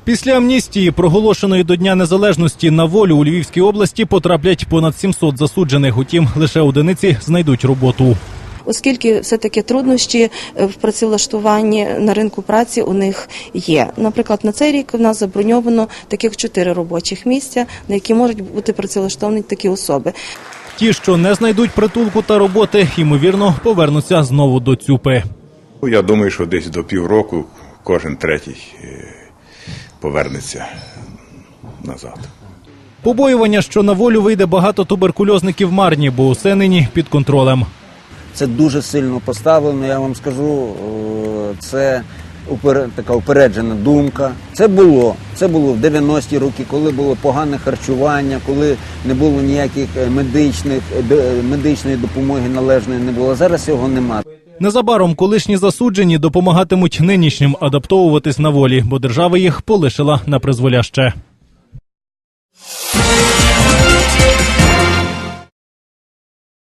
Після амністії, проголошеної до Дня Незалежності, на волю у Львівській області потраплять понад 700 засуджених. Утім, лише одиниці знайдуть роботу. Оскільки все-таки труднощі в працевлаштуванні на ринку праці у них є. Наприклад, на цей рік у нас заброньовано таких 4 робочих місця, на які можуть бути працевлаштовані такі особи. Ті, що не знайдуть притулку та роботи, ймовірно, повернуться знову до ЦЮПи. Я думаю, що десь до півроку кожен третій повернеться назад. Побоювання, що на волю вийде багато туберкульозників, марні, бо усе нині під контролем. Це дуже сильно поставлено, я вам скажу, це така упереджена думка. Це було в 90-ті роки, коли було погане харчування, коли не було ніяких медичної допомоги належної не було. Зараз цього немає. Незабаром колишні засуджені допомагатимуть нинішнім адаптовуватись на волі, бо держава їх полишила на призволяще.